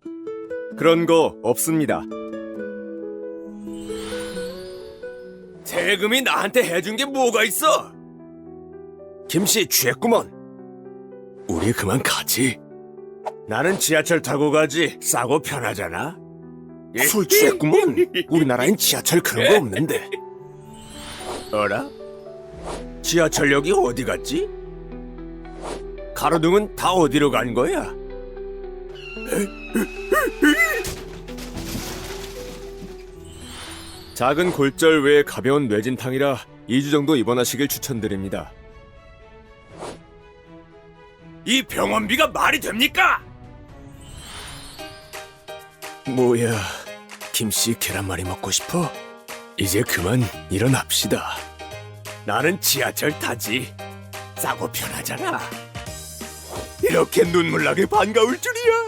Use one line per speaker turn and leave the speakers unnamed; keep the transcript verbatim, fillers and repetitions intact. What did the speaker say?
그런 거 없습니다.
세금이 나한테 해준 게 뭐가 있어?
김씨 취했구먼. 우리 그만 가지. 나는 지하철 타고 가지. 싸고 편하잖아. 술 취했구먼. 우리나라엔 지하철 그런 거 없는데. 어라? 지하철역이 어디 갔지? 가로등은 다 어디로 간 거야? 작은 골절 외에 가벼운 뇌진탕이라 이 주 정도 입원하시길 추천드립니다.
이 병원비가 말이 됩니까?
뭐야, 김씨 계란말이 먹고 싶어? 이제 그만 일어납시다. 나는 지하철 타지. 싸고 편하잖아. 이렇게 눈물 나게 반가울 줄이야.